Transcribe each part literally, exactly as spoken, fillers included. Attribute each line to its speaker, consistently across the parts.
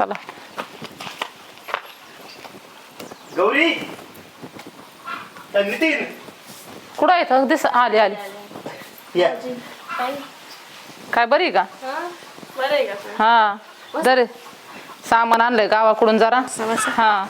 Speaker 1: चला
Speaker 2: गौरी नितीन
Speaker 1: कुठं आहे दिस आली आली
Speaker 2: या
Speaker 1: काय बरी का
Speaker 3: बरं आहे का?
Speaker 1: हा जरे सामान आणलंय गावाकडून जरा हा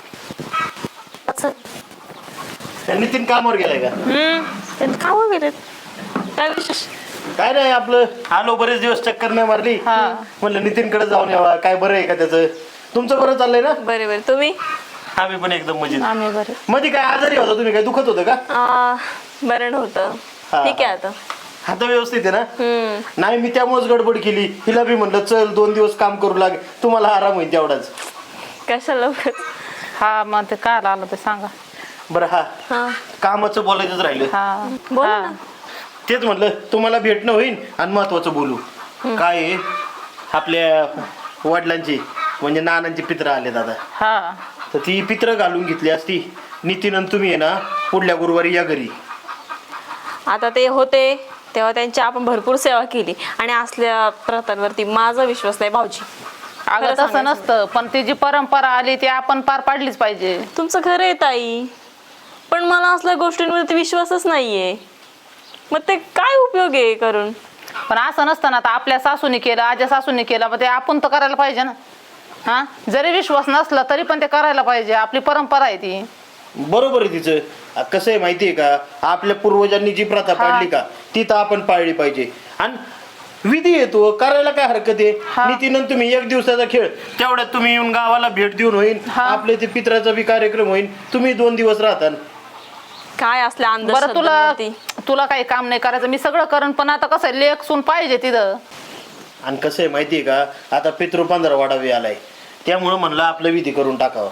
Speaker 2: नितीन कामावर गेलाय का?
Speaker 3: हम्म का वगैरे काय विशेष?
Speaker 2: काय नाही आपलं आलो बरेच दिवस चक्कर नाही मारली
Speaker 1: हा.
Speaker 2: म्हणलं नितीनकडे जाऊन यावा काय बरं आहे का त्याचं तुमचं बरं चाललंय ना?
Speaker 3: बरे बरे तुम्ही?
Speaker 2: आम्ही पण एकदम मजेत.
Speaker 1: आम्ही बरे
Speaker 2: मध्ये काय आजारी होता तुम्ही काय दुखत होतं का?
Speaker 3: आ, बरं नव्हतं
Speaker 2: हा.
Speaker 3: ठीक आहे आता.
Speaker 2: आता व्यवस्थित आहे ना?
Speaker 3: हम्म
Speaker 2: नाही मी त्यामुळेच गडबड केली हिला बी म्हणलं चल दोन दिवस काम करू लाग तुम्हाला आराम होईल तेवढाच.
Speaker 3: कशाला उगाच?
Speaker 1: हा मग ते काय आलं ते सांगा
Speaker 2: बरं हा
Speaker 3: हा
Speaker 2: कामाचं बोलायचंच राहिलं
Speaker 1: हा
Speaker 3: बोल
Speaker 1: हा.
Speaker 3: ना.
Speaker 2: तेच म्हटलं तुम्हाला भेटणं होईल आणि महत्वाचं बोलू. काय आहे आपल्या वडिलांची म्हणजे नानांची पित्र आले दादा
Speaker 1: हा
Speaker 2: तर ती पित्र घालून घेतली असती नितीन आणि तुम्ही आहे ना पुढल्या गुरुवारी या घरी.
Speaker 3: आता ते होते तेव्हा त्यांची आपण भरपूर सेवा केली आणि असल्या प्रथांवरती माझा विश्वास नाही भाऊजी.
Speaker 1: अगं
Speaker 3: खरं
Speaker 1: तसं
Speaker 3: सांगायचं.
Speaker 1: नसतं पण ती जी परंपरा आली ती आपण पार पाडलीच पाहिजे.
Speaker 3: तुमचं खरं आहे ताई पण मला असल्या गोष्टींवरती विश्वासच नाहीये मग ते काय उपयोग आहे करून.
Speaker 1: पण असं नसतं ना आता आपल्या सासूने केलं आज्या सासूने केलं मग ते आपण तर करायला पाहिजे ना. हा जरी विश्वास नसला तरी पण ते करायला पाहिजे आपली परंपरा आहे ती.
Speaker 2: बरोबर आहे तिचं. कसं आहे माहितीये का आपल्या पूर्वजांनी जी प्रथा पाडली का ती तर आपण पाळली पाहिजे आणि विधी येतो करायला काय हरकत आहे. नितीन आणि तुम्ही एक दिवसाचा खेळ तेवढ्यात तुम्ही येऊन गावाला भेट देऊन होईल आपले ते पित्राचा बी कार्यक्रम होईल तुम्ही दोन दिवस राहता.
Speaker 3: काय असल्या
Speaker 1: बरं तुला
Speaker 3: अंधश्रद्धांवरती
Speaker 1: तुला काही काम नाही करायचं मी सगळं करण पण आता कसं आहे लेख सून पाहिजे तिथं.
Speaker 2: आणि कसं आहे माहितीये का आता पितृ पंधरा वाढावी आलाय त्यामुळं म्हणलं आपलं विधी करून टाकावं.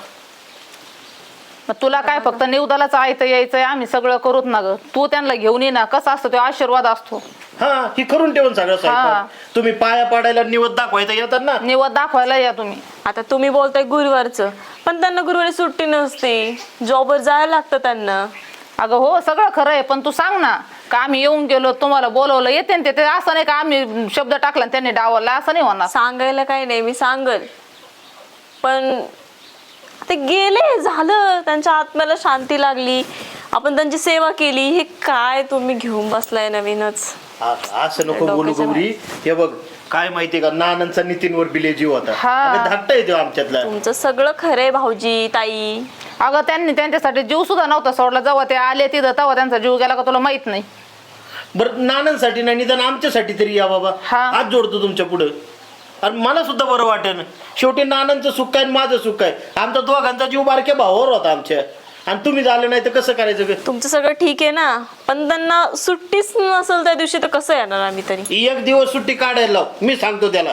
Speaker 1: मग तुला काय फक्त निवदालाच आयतं यायचंय आम्ही सगळं करूत ना ग तू त्यांना घेऊन ये ना कसा असतो तो आशीर्वाद असतो.
Speaker 2: हा ही करून ठेवून सगळं स्वयंपाक. तुम्ही पाया पाडायला निवड दाखवायचं येतात ना.
Speaker 1: निवद दाखवायला या तुम्ही.
Speaker 3: आता तुम्ही बोलताय गुरुवारचं पण त्यांना गुरुवारी सुट्टी नसते जॉबवर जायला लागतं त्यांना.
Speaker 1: अगं हो सगळं खरं आहे पण तू सांग ना का आम्ही येऊन गेलो तुम्हाला बोलवलं येते ना ते असं नाही का आम्ही शब्द टाकला आणि त्यांनी डावरला असं नाही होणार.
Speaker 3: सांगायला काही नाही मी सांगल पण ते गेले झालं त्यांच्या आत्म्याला शांती लागली आपण त्यांची सेवा केली हे काय तुम्ही घेऊन बसलाय नवीनच.
Speaker 2: आ- असं नको बोलू गौरी. हे बघ काय माहितीये का नानांचा नितीनवर बिले जीव होता
Speaker 1: हा.
Speaker 2: धाकटा येतो आमच्यातला.
Speaker 3: तुमचं सगळं खरंय भाऊजी ताई.
Speaker 1: अगं त्यांनी त्यांच्यासाठी जीव सुद्धा नव्हता सोडला जेव्हा ते आले तिथं तेव्हा त्यांचा जीव गेला का तुला माहित नाही.
Speaker 2: बरं नानांसाठी नाही निदान आमच्यासाठी तरी या बाबा.
Speaker 1: हा.
Speaker 2: हात जोडतो तुमच्या पुढं आणि मला सुद्धा बरं वाटेल. शेवटी नानांचं सुख आहे आणि माझं सुख आहे. आमचा दोघांचा जीव बारक्या भावावर होता आमच्या आणि तुम्ही झालं नाही तर कसं करायचं ग?
Speaker 3: तुमचं सगळं ठीक आहे ना पण त्यांना सुट्टीच नसेल त्या दिवशी तर कसं येणार आम्ही तरी.
Speaker 2: एक दिवस सुट्टी काढायला लाव मी सांगतो त्याला.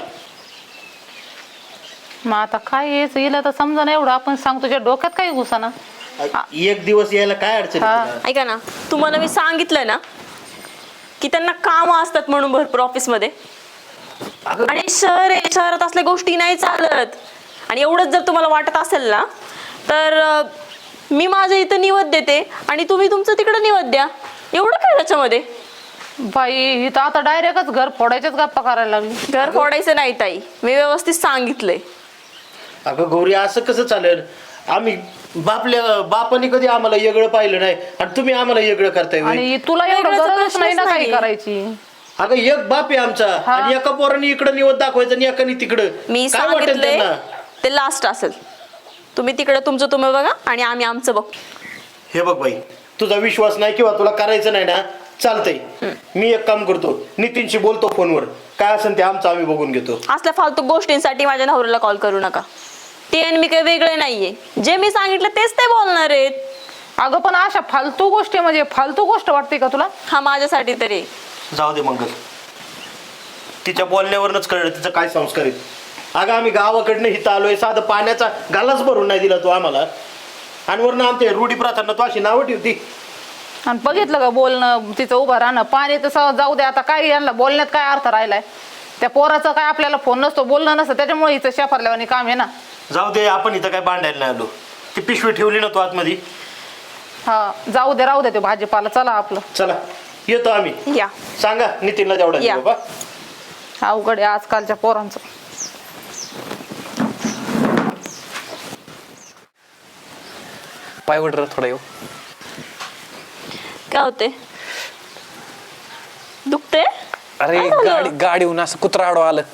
Speaker 1: मग आता काय यायचं हिला तर समजा ना एवढं आपण सांगतो तुझ्या डोक्यात काही घुसाना.
Speaker 2: एक दिवस यायला काय अडचण आहे
Speaker 1: हा.
Speaker 2: तुला?
Speaker 3: ऐका ना तुम्हाला मी सांगितलं ना की त्यांना काम असतात म्हणून भरपूर ऑफिसमध्ये आणि शहर आहे शहरात असल्या गोष्टी नाही चालत. आणि एवढंच जर तुम्हाला वाटत असेल ना तर अं, मी माझ्या इथं निवद देते आणि तुम्ही तुमचं तिकडे निवद द्या. एवढं काय त्याच्यामध्ये.
Speaker 1: बाई ही तर आता डायरेक्टच घर फोडायच्याच गप्पा करायला लागली.
Speaker 3: घर फोडायचं नाही ताई मी व्यवस्थित सांगितलंय.
Speaker 2: अगं गौरी असं कसं चालेल. आम्ही बापल्या बापाने कधी आम्हाला वेगळं पाहिलं नाही आणि तुम्ही आम्हाला वेगळं करताय होय.
Speaker 1: आणि तुला एवढं
Speaker 3: वेगळाचा
Speaker 1: गरजच नाही ना
Speaker 3: प्रश्नच
Speaker 1: काही
Speaker 3: नाही.
Speaker 1: करायची.
Speaker 2: अगं एक बाप आहे आमचा
Speaker 1: हा.
Speaker 2: आणि एका पोराने इकडं निवड दाखवायचं आणि एकाने तिकडं.
Speaker 3: मी
Speaker 2: काय वाटेल
Speaker 3: सांगितलंय
Speaker 2: त्यांना?
Speaker 3: ते लास्ट असेल. तुम्ही तिकडे तुमचं तुम्ही बघा आणि आम्ही आमचं बघ.
Speaker 2: हे बघ बाई तुझा विश्वास नाही किंवा तुला करायचं नाही ना चालतंय. मी एक काम करतो नितीनशी बोलतो फोनवर काय असेल ते आमचं आम्ही बघून घेतो.
Speaker 3: असल्या फालतू गोष्टींसाठी माझ्या नवऱ्याला कॉल करू नका. ते आणि मी काही वेगळे नाहीये जे मी सांगितलं तेच ते बोलणार आहेत.
Speaker 1: अगं पण अशा फालतू गोष्टी म्हणजे फालतू गोष्ट वाटते का तुला.
Speaker 3: हा माझ्यासाठी तरी.
Speaker 2: जाऊ दे मंगल तिच्या बोलण्यावरच कळलं तिचं काय संस्कार आहेत. अगं आम्ही गावाकडनं हिथं आलोय साधं पाण्याचा गालाच भरून नाही दिला तू आम्हाला आणि वरनं आमच्या रूढी प्रथांना तू अशी नावं ठेवती.
Speaker 1: आणि बघितलं का बोलणं तिचं उभं राहणं पाणी तसं जाऊ दे आता काय यांना बोलण्यात काय अर्थ राहिलाय. त्या पोराचं काय आपल्याला फोन नसतो बोलणं नसतं त्याच्यामुळे हिचं शेफारल्यावानी काम आहे ना.
Speaker 2: जाऊ दे आपण इथं काय बांधायला नाही आलो. ती पिशवी ठेवली ना तू आतमध्ये.
Speaker 1: हा जाऊ दे राहू दे ते भाजीपाला चला आपलं.
Speaker 2: चला येतो आम्ही.
Speaker 3: या
Speaker 2: सांगा नितीनला तेवढा
Speaker 3: या.
Speaker 2: बाबा
Speaker 1: अवघड आहे आजकालच्या पोरांचं.
Speaker 4: पाय वड थोडा येऊ.
Speaker 3: काय होते? दुखते?
Speaker 4: अरे
Speaker 3: काय झालं?
Speaker 4: गाडी गाडीहून असं कुत्रा आडवा आलं.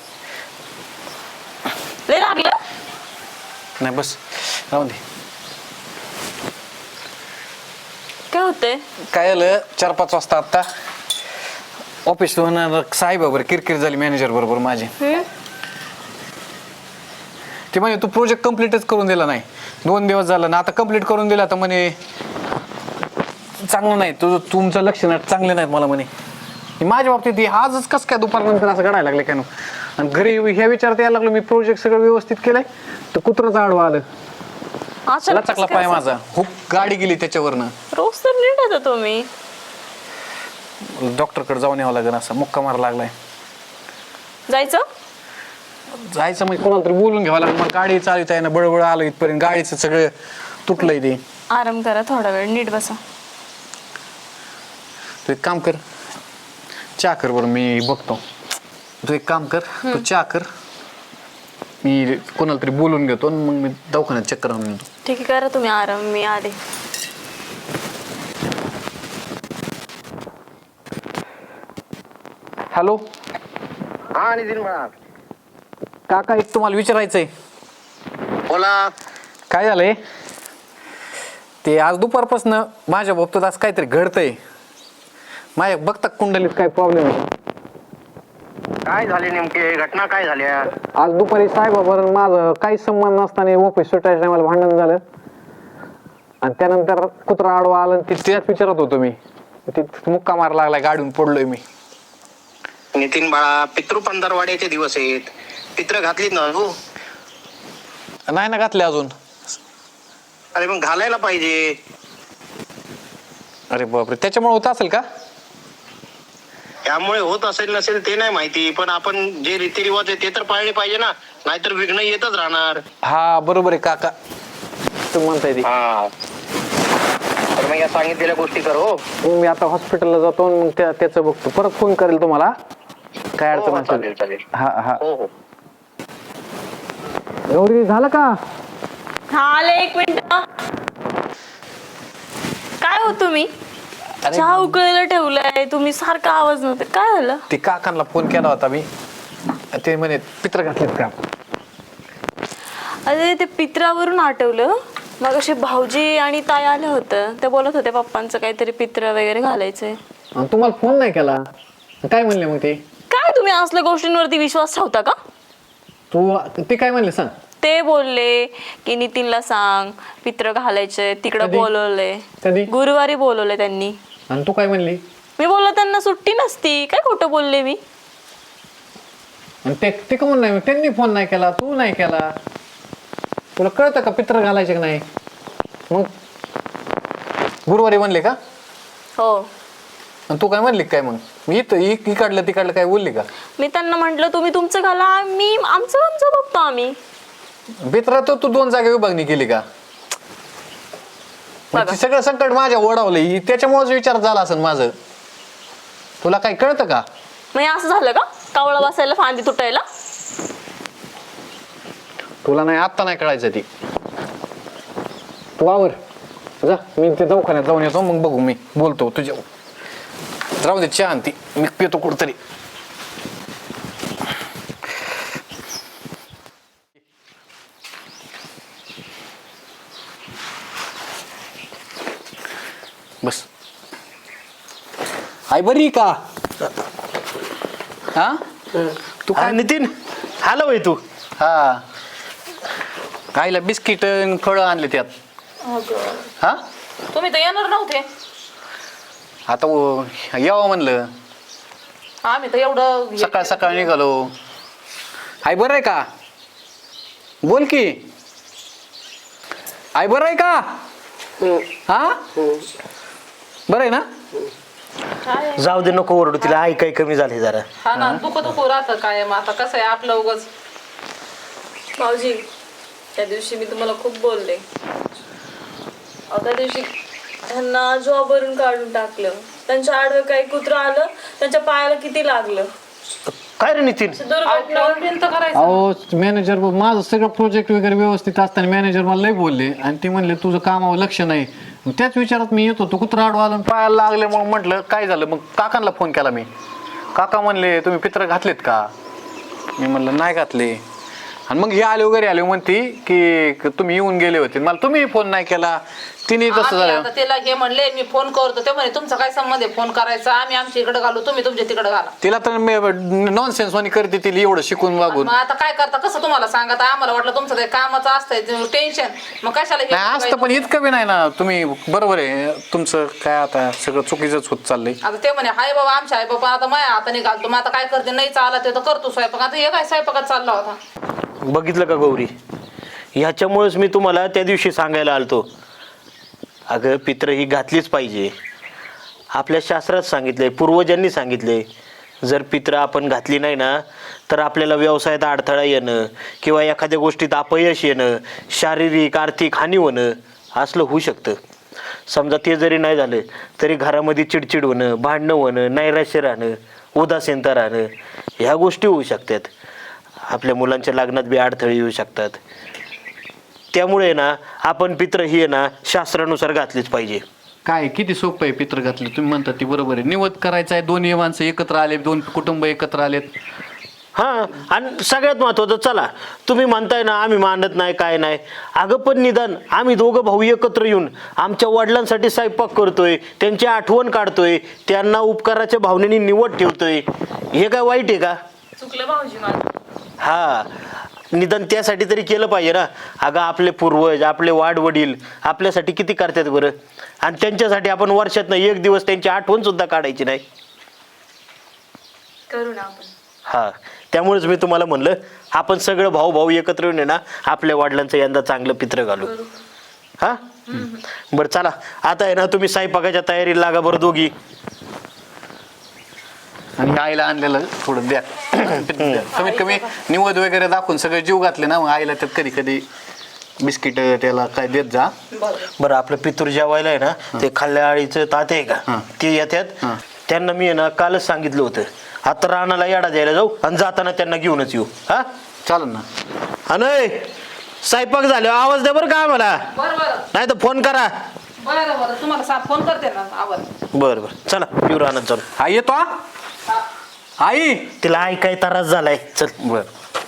Speaker 3: लय लागलं?
Speaker 4: नाही बस राहून दे.
Speaker 3: काय होते?
Speaker 4: काय झालं चार पाच वाजता आता ऑफिस होणार साहेब बरोबर किरकिर झाली मॅनेजर बरोबर माझी. ते म्हणे तू प्रोजेक्ट कम्प्लीटच करून दिला नाही. दोन दिवस झालं ना आता कम्प्लीट करून दिला तर म्हणे चांगलं नाही तुझं तुमचं लक्ष नाही चांगले नाहीत मला म्हणे. माझ्या बाबतीत हे आजच कसं काय दुपारनंतर असं घडायला लागलं काय नो. आणि घरी ह्या विचारात यायला लागलो मी प्रोजेक्ट सगळं व्यवस्थित केलंय तर कुत्रच आडवा आलं.
Speaker 3: अचानक
Speaker 4: लचकला
Speaker 3: कसं
Speaker 4: पाय
Speaker 3: काय
Speaker 4: माझा हुक गाडी गेली त्याच्यावरनं.
Speaker 3: रोज तर नीट येतो तुम्ही.
Speaker 4: डॉक्टरकडे जाऊन यावं लागेल असा मुक्का मारा लागलाय.
Speaker 3: जायचं?
Speaker 4: जायचं म्हणजे कोणाला तरी बोलून घ्यावं लागेल. मला गाडी चालवता येईना बळबळ आलं इथपर्यंत गाडीचं सगळं तुटलंय ते.
Speaker 3: आराम करा थोडा वेळ नीट बसा.
Speaker 4: तू एक काम कर चहा कर बरं मी बघतो. तू एक काम कर तू चहा कर मी कोणाला तरी बोलून घेतो आणि मग मी दवाखान्यात चक्कर आणून येतो.
Speaker 3: ठीक आहे करा तुम्ही आराम मी आले.
Speaker 4: हॅलो
Speaker 2: हा नितीन म्हणा.
Speaker 4: काका एक तुम्हाला विचारायचंय.
Speaker 2: बोला.
Speaker 4: काय झालंय ते आज दुपारपासून माझ्या बाबतीत आज काहीतरी घडतंय. माझ्या बघता कुंडलीत काय प्रॉब्लेम आहे.
Speaker 2: काय झाले नेमके घटना काय झाल्या?
Speaker 4: आज दुपारी साहेबाबरोबर माझं काही संबंध नसताना ऑफिस सुटायच्या टायमाला भांडण झालं आणि त्यानंतर कुत्रा आडवा आला आणि त्याच विचारत होतो मी. ते मुक्का मारा लागलाय गाडीहून पडलोय मी.
Speaker 2: नितीन बाळा पितृ पंधरवाड्याचे दिवस आहेत. पित्र घातलीत ना तू?
Speaker 4: नाही ना घातले अजून.
Speaker 2: अरे मग घालायला पाहिजे.
Speaker 4: अरे बापरे त्याच्यामुळे होत असेल का?
Speaker 2: त्यामुळे होत असेल नसेल ते नाही माहिती पण आपण जे रीतिरिवाज आहे ते तर पाळले पाहिजे ना. नाहीतर विघ्न येतच राहणार.
Speaker 4: हा बरोबर आहे काका तुम्ही म्हणताय ते.
Speaker 2: हा तर मग या सांगितलेल्या गोष्टी कर. हो
Speaker 4: मग मी आता हॉस्पिटलला जातो आणि मग त्या त्याचं बघतो परत फोन करेल तुम्हाला काय
Speaker 2: हो,
Speaker 4: अडचण
Speaker 2: हो,
Speaker 4: असेल.
Speaker 2: चालेल चालेल.
Speaker 4: हा हा
Speaker 2: हो हो
Speaker 4: गौरी झालं का?
Speaker 3: हा आले एक मिनिट. काय हो तुम्ही
Speaker 4: अरे
Speaker 3: चहा उकळायला ठेवलाय तुम्ही सारखा आवाज नव्हते काय झालं?
Speaker 4: ते काकांना फोन केला होता मी ते म्हणे पित्र घातलेत का.
Speaker 3: अरे ते पित्रावरून आठवलं मग असे भाऊजी आणि ताई आले होतं ते बोलत होते पप्पांचं काहीतरी पित्र वगैरे घालायचंय.
Speaker 4: आणि तुम्हाला फोन नाही केला काय म्हणले मग ते?
Speaker 3: काय तुम्ही असल्या गोष्टींवरती विश्वास ठेवता का?
Speaker 4: तू ते काय म्हणले सांग.
Speaker 3: ते बोलले की नितीनला सांग पित्र घालायचे तिकडं
Speaker 4: कधी?
Speaker 3: बोलवलंय.
Speaker 4: कधी?
Speaker 3: गुरुवारी बोलवलंय त्यांनी.
Speaker 4: आणि तू काय म्हणली?
Speaker 3: मी बोललो त्यांना सुट्टी नसती काय खोटं बोलले मी.
Speaker 4: आणि ते ते का नाही त्यांनी फोन नाही केला तू नाही केला. तुला कळतं का पित्र घालायचे का नाही? मग गुरुवारी म्हणले का?
Speaker 3: हो
Speaker 4: आणि तू काय म्हणली काय मग? मी इथं इकडलं तिकडलं काय बोलली का?
Speaker 3: मी त्यांना म्हंटल तुम्ही तुमचं घाला मी आमचं आमचं बघतो आम्ही.
Speaker 4: पित्रा तर तू दोन जागा विभागणी केली का? म्हणजे सगळं संकट माझ्या ओढावलंय त्याच्यामुळेच विचार झाला असेल माझं. तुला काय कळतं का?
Speaker 3: मग हे असं झालं का कावळा बसायला फांदी तुटायला?
Speaker 4: तुला नाही आत्ता नाही कळायचं ती. तू आवर जा मी ते दवाखान्यात जाऊन येतो मग बघू मी बोलतो तुझ्या. राहू दे चहा आणती मी पितो कुठतरी. बस आई बरी का? हा
Speaker 2: तू काय नितीन आला होय तू?
Speaker 4: हा आईला बिस्किट फळं आणले त्यात. हा
Speaker 1: तुम्ही तर येणार नव्हते.
Speaker 4: आता व- यावं म्हणलं
Speaker 1: आम्ही तर एवढं
Speaker 4: सकाळ सकाळ निघालो. आई बरं आहे का? बोल की आई बरं आहे का? हा बरं आहे ना?
Speaker 1: काय
Speaker 2: जाऊ दे नको ओरडू तिला. आई काही कमी झाली जरा.
Speaker 1: हा ना दुख दुख राहतं कायम. आता कसं आहे आपलं उगाच.
Speaker 3: भाऊजी त्या दिवशी मी तुम्हाला खूप बोलले अहो त्या दिवशी त्यांना जॉबवरून काढून टाकलं. त्यांच्या आडवं काही कुत्रं आलं त्यांच्या पायाला किती लागलं.
Speaker 2: काय रे नितीन
Speaker 1: फोन बिन तर करायचं
Speaker 4: अहो मॅनेजर माझं सगळं प्रोजेक्ट वगैरे व्यवस्थित असताना मॅनेजर मला लय बोलले आणि ते म्हणले तुझं कामावर लक्ष नाही. मग त्याच विचारात मी येतो तो कुत्रा आडवा आला आणि पायाला लागले. मग म्हटलं काय झालं. मग काकांना फोन केला मी. काका म्हणले तुम्ही पित्र घातलेत का. मी म्हणलं नाही घातले. आणि मग हे आले वगैरे आले म्हणते की तुम्ही येऊन गेले होते. मला तुम्ही फोन नाही केला. तिने तसं
Speaker 1: आम्ही
Speaker 4: झालं.
Speaker 1: आता तिला हे म्हणले मी फोन करतो ते म्हणे तुमचा काय संबंध आहे फोन करायचा आम्ही आमच्या इकडे घालू तुम्ही तुमच्या तिकडे घाला.
Speaker 4: तिला तर नॉन सेन्स वाणी करते तिला एवढं शिकून वागून.
Speaker 1: मग आता काय करता कसं तुम्हाला सांगत आम्हाला वाटलं तुमचं ते कामाचं असतंय टेन्शन मग कशाला हे
Speaker 4: नाही असतं पण इतकं बी नाही ना. तुम्ही बरोबर आहे तुमचं काय आता सगळं चुकीचंच होत चाललंय.
Speaker 1: आता ते म्हणे हाय बाबा आमच्या आई बाबा आता माझ्या हाताने घालतो मग आता काय करते नाही चालला ते तर करतो स्वयंपाक. आता हे काय स्वयंपाकात चालला होता.
Speaker 2: बघितलं का गौरी ह्याच्यामुळेच मी तुम्हाला त्या दिवशी सांगायला आलतो अगं पित्र ही घातलीच पाहिजे. आपल्या शास्त्रात सांगितलंय पूर्वजांनी सांगितले जर पित्र आपण घातली नाही ना तर आपल्याला व्यवसायात अडथळा येणं किंवा एखाद्या गोष्टीत अपयश येणं शारीरिक आर्थिक हानी होणं असलं होऊ शकतं. समजा ते जरी नाही झालं तरी घरामध्ये चिडचिड होणं भांडणं होणं नैराश्य राहणं उदासीनता राहणं ह्या गोष्टी होऊ शकतात. आपल्या मुलांच्या लग्नात बी अडथळे येऊ शकतात. त्यामुळे ना आपण पित्र ही आहे ना शास्त्रानुसार घातलीच पाहिजे.
Speaker 4: काय किती सोपं आहे पित्र घातले तुम्ही म्हणता ती बरोबर आहे. निवद करायचं आहे दोन्ही माणसं एकत्र आले दोन कुटुंब एकत्र आलेत.
Speaker 2: हां आणि सगळ्यात महत्त्वाचं चला तुम्ही म्हणताय ना आम्ही मानत नाही काय नाही अगं पण निदान आम्ही दोघं भाऊ एकत्र येऊन आमच्या वडिलांसाठी स्वयंपाक करतोय त्यांची आठवण काढतोय त्यांना उपकाराच्या भावनेने निवड ठेवतोय हे काय वाईट आहे का.
Speaker 3: चुकलं भाऊजी माझं.
Speaker 2: हा निदान त्यासाठी तरी केलं पाहिजे ना. अगं आपले पूर्वज आपले वाडवडील आपल्यासाठी किती करतात बरं आणि त्यांच्यासाठी आपण वर्षातनं एक दिवस त्यांची आठवण सुद्धा काढायची नाही.
Speaker 3: करू ना आपण.
Speaker 2: हा त्यामुळेच मी तुम्हाला म्हणलं आपण सगळं भाऊ भाऊ एकत्र येऊन ना आपल्या वडिलांचं यंदा चांगलं पित्र घालू. हा बरं चला आता आहे ना तुम्ही स्वयंपाकाच्या तयारीला लागा बरं दोघी.
Speaker 4: आणि आईला आणलेलं थोडं द्या. कमीत कमी निवद वगैरे दाखवून सगळे जीव घातले ना मग आईला त्यात कधी कधी बिस्किट त्याला काय देत जा.
Speaker 2: बरं आपलं पितूर जेवायला आहे ना ते खाल्ल्या आळीचं ताते आहे का ते येतात त्यांना मी आहे ना कालच सांगितलं होतं आता रानाला याडा द्यायला जाऊ आणि जाताना त्यांना घेऊनच येऊ. हा
Speaker 4: चालेल ना.
Speaker 2: अनय स्वयंपाक झाले आवाज द्या बरं का मला
Speaker 1: बरं बरं
Speaker 2: नाही तर फोन करा.
Speaker 1: बरं बरं तुम्हाला सा फोन करते ना आवाज.
Speaker 2: बरं बरं चला येऊ रानात जाऊन.
Speaker 4: आई येतो हा? आई
Speaker 2: तिला आई काय त्रास झालाय चल.
Speaker 4: बर